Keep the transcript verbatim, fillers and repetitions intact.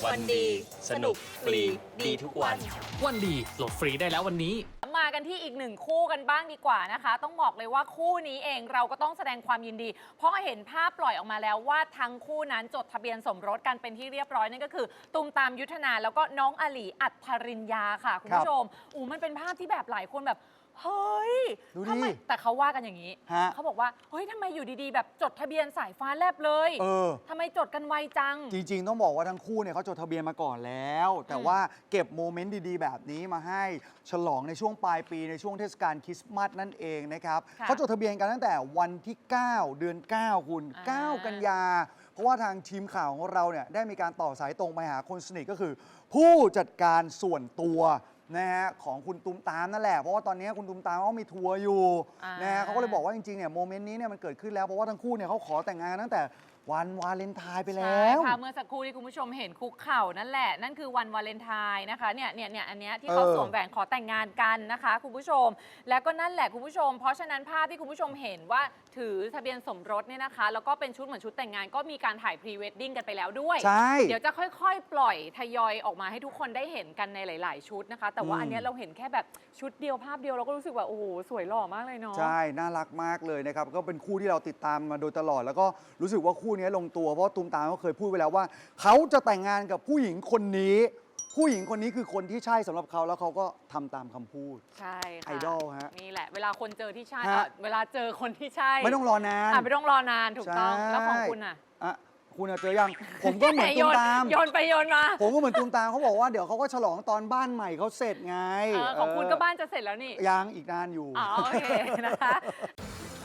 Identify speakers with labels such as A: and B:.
A: วันดีสนุกฟรีดีทุกวัน
B: วันดีโหลดฟรีได้แล้ววันนี้
C: มากันที่อีกหนึ่งคู่กันบ้างดีกว่านะคะต้องบอกเลยว่าคู่นี้เองเราก็ต้องแสดงความยินดีเพราะเห็นภาพปล่อยออกมาแล้วว่าทั้งคู่นั้นจดทะเบียนสมรสกันเป็นที่เรียบร้อยนั่นก็คือตูมตามยุทธนาแล้วก็น้องอลีอัธริญญาค่ะคุณผู้ชมอู้มันเป็นภาพที่แบบหลายคนแบบเฮ้ยทำไมแต่เขาว่ากันอย่างนี้เขาบอกว่าเฮ้ยทำไมอยู่ดีๆแบบจดทะเบียนสายฟ้าแลบเลยเออทำไมจดกันไวจัง
A: จริงๆต้องบอกว่าทั้งคู่เนี่ยเขาจดทะเบียนมาก่อนแล้วแต่ว่าเก็บโมเมนต์ดีๆแบบนี้มาให้ฉลองในช่วงปลายปีในช่วงเทศกาลคริสต์มาสนั่นเองนะครับเขาจดทะเบียนกันตั้งแต่วันที่เก้าเดือนเก้าคุณเก้ากันยาเพราะว่าทางทีมข่าวของเราเนี่ยได้มีการต่อสายตรงไปหาคนสนิทก็คือผู้จัดการส่วนตัวนะฮะของคุณตุ้มตามนั่นแหละเพราะว่าตอนนี้คุณตุ้มตามเขามีทัวร์อยู่นะฮะเขาก็เลยบอกว่าจริงๆเนี่ยโมเมนต์นี้เนี่ยมันเกิดขึ้นแล้วเพราะว่าทั้งคู่เนี่ยเขาขอแต่งงานตั้งแต่วันวาเลนไทน์ไปแล้ว
C: ใช่ค่ะเมื่อสักครู่ที่คุณผู้ชมเห็นคุกเข่านั่นแหละนั่นคือวันวาเลนไทน์นะคะเนี่ยเนี่ยเนี่ยอันเนี้ยที่เขาสวมแหวนขอแต่งงานกันนะคะคุณผู้ชมแล้วก็นั่นแหละคุณผู้ชมเพราะฉะนั้นภาพที่คุณผู้ชมเห็นว่าถือทะเบียนสมรสเนี่ยนะคะแล้วก็เป็นชุดเหมือนชุดแต่งงานก็มีการถ่ายพรีเวดดิ้งกันไปแล้วด้วย
A: ใช่
C: เดี๋ยวจะค่อยๆปล่อยทยอยออกมาให้ทุกคนได้เห็นกันในหลายๆชุดนะคะแต่ว่าอันเนี้ยเราเห็นแค่แบบชุดเดียวภาพเดียวเราก็รู้สึกว่าโอ้โหสวยหล่อมากเลยเนาะ
A: ใช่น่ารักมากเลยนะครับก็เป็นคู่ที่เราติดตามมาโดยตลอดแล้วก็รู้สึกว่าคู่นี้ลงตัวเพราะตูมตามเขาเคยพูดไว้แล้วว่าเขาจะแต่งงานกับผู้หญิงคนนี้ผู้หญิงคนนี้คือคนที่ใช่สำหรับเขาแล้วเขาก็ทำตามคำพูด
C: ใช่ค่ะ
A: ไอดอลฮะ
C: นี่แหละเวลาคนเจอที่ใช่เวลาเจอคนที่ใช่
A: ไม่ต้องรอนาน
C: ไม่ต้องรอนานถูกต้องแล้วของคุณอ่ะ
A: อะคุณเจอยังผมก็เหมือนตูมตาม
C: โยนไปโยนมา
A: ผมก็เหมือนตูมตามเขาบอกว่าเดี๋ยวเขาก็ฉลองตอนบ้านใหม่เขาเสร็จไง
C: ของคุณก็บ้านจะเสร็จแล้วนี่
A: ยังอีกนานอยู่
C: อ๋อโอเคนะคะ